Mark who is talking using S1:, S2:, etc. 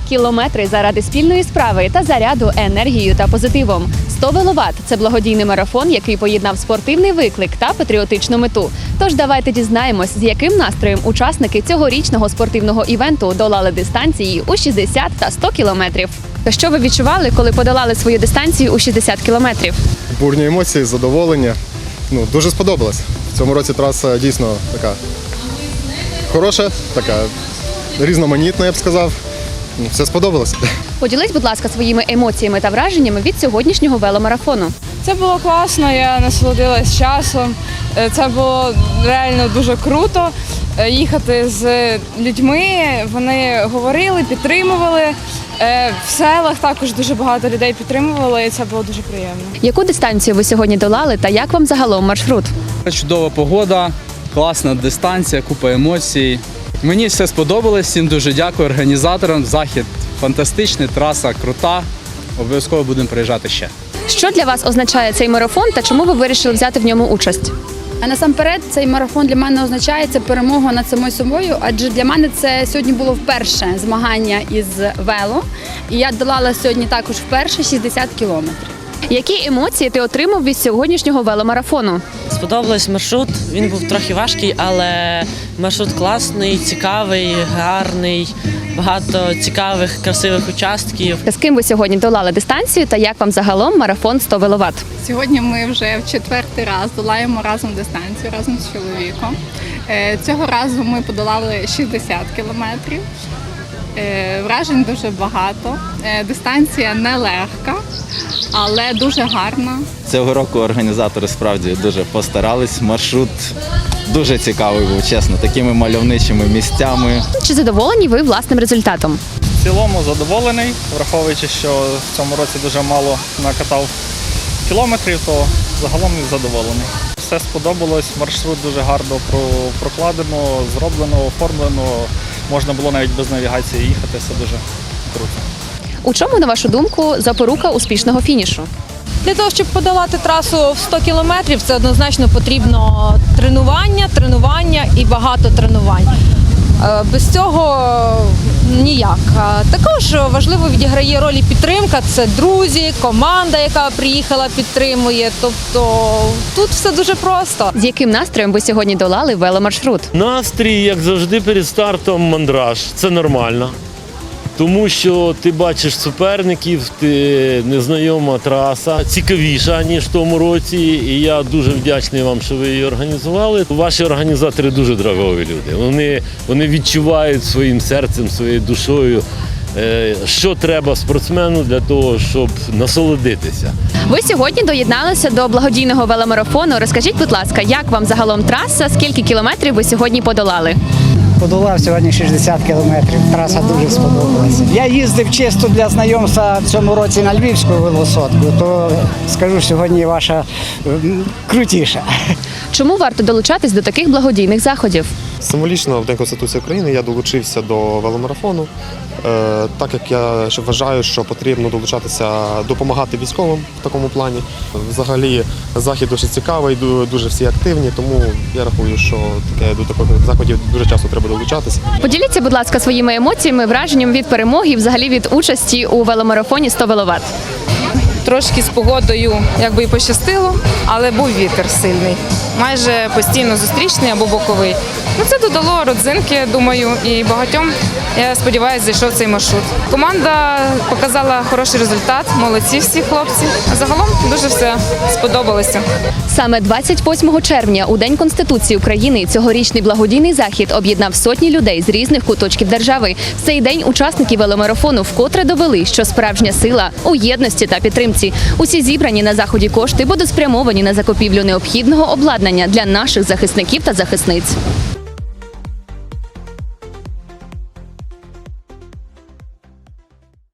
S1: Кілометри заради спільної справи та заряду енергією та позитивом. 100 веловат – це благодійний марафон, який поєднав спортивний виклик та патріотичну мету. Тож давайте дізнаємось, з яким настроєм учасники цьогорічного спортивного івенту долали дистанції у 60 та 100 кілометрів. Що ви відчували, коли подолали свою дистанцію у 60 кілометрів?
S2: Бурні емоції, задоволення. Дуже сподобалось. В цьому році траса дійсно така хороша, така різноманітна, я б сказав. Все сподобалось.
S1: Поділись, будь ласка, своїми емоціями та враженнями від сьогоднішнього веломарафону.
S3: Це було класно, я насолодилась часом. Це було реально дуже круто їхати з людьми. Вони говорили, підтримували. В селах також дуже багато людей підтримували, і це було дуже приємно.
S1: Яку дистанцію ви сьогодні долали та як вам загалом маршрут?
S4: Чудова погода, класна дистанція, купа емоцій. Мені все сподобалось, всім дуже дякую організаторам. Захід фантастичний, траса крута. Обов'язково будемо приїжджати ще.
S1: Що для вас означає цей марафон та чому ви вирішили взяти в ньому участь?
S5: А насамперед цей марафон для мене означає перемогу над самою собою, адже для мене це сьогодні було вперше змагання із вело. І я долала сьогодні також вперше 60 кілометрів.
S1: Які емоції ти отримав від сьогоднішнього веломарафону?
S6: Сподобався маршрут, він був трохи важкий, але маршрут класний, цікавий, гарний, багато цікавих, красивих участків.
S1: З ким ви сьогодні долали дистанцію та як вам загалом марафон 100 веловат?
S7: Сьогодні ми вже в четвертий раз долаємо разом дистанцію, разом з чоловіком. Цього разу ми подолали 60 кілометрів. Вражень дуже багато. Дистанція нелегка, але дуже гарна.
S8: Цього року організатори справді дуже постарались. Маршрут дуже цікавий був, чесно, такими мальовничими місцями.
S1: Чи задоволені ви власним результатом?
S9: В цілому задоволений, враховуючи, що в цьому році дуже мало накатав кілометрів, то загалом задоволений. Все сподобалось, маршрут дуже гарно прокладено, зроблено, оформлено. Можна було навіть без навігації їхати, все дуже круто.
S1: У чому, на вашу думку, запорука успішного фінішу?
S10: Для того, щоб подолати трасу в 100 кілометрів, це однозначно потрібно тренування і багато тренувань. Без цього ніяк. Також важливо відіграє роль і підтримка. Це друзі, команда, яка приїхала, підтримує. Тобто тут все дуже просто.
S1: З яким настроєм ви сьогодні долали веломаршрут?
S11: Настрій, як завжди, перед стартом мандраж. Це нормально. Тому що ти бачиш суперників, незнайома траса, цікавіша, ніж в тому році. І я дуже вдячний вам, що ви її організували. Ваші організатори дуже драгові люди. Вони відчувають своїм серцем, своєю душою, що треба спортсмену для того, щоб насолодитися.
S1: Ви сьогодні доєдналися до благодійного веломарафону. Розкажіть, будь ласка, як вам загалом траса, скільки кілометрів ви сьогодні подолали?
S12: Подолав сьогодні 60 кілометрів, траса дуже сподобалася. Я їздив чисто для знайомства в цьому році на Львівську велосотку, то скажу, сьогодні ваша крутіша.
S1: Чому варто долучатись до таких благодійних заходів?
S2: Символічно в День Конституції України я долучився до веломарафону, так як я вважаю, що потрібно долучатися, допомагати військовим в такому плані. Взагалі захід дуже цікавий, дуже всі активні, тому я рахую, що до таких заходів дуже часто треба долучатися.
S1: Поділіться, будь ласка, своїми емоціями, враженням від перемоги і взагалі від участі у веломарафоні 100 веловат.
S3: Трошки з погодою якби і пощастило, але був вітер сильний. Майже постійно зустрічний або боковий. Це додало родзинки, думаю, і багатьом, я сподіваюся, зайшов цей маршрут. Команда показала хороший результат, молодці всі хлопці. А загалом дуже все сподобалося.
S1: Саме 28 червня, у День Конституції України, цьогорічний благодійний захід об'єднав сотні людей з різних куточків держави. В цей день учасники веломарафону вкотре довели, що справжня сила у єдності та підтримці. Усі зібрані на заході кошти будуть спрямовані на закупівлю необхідного обладнання для наших захисників та захисниць.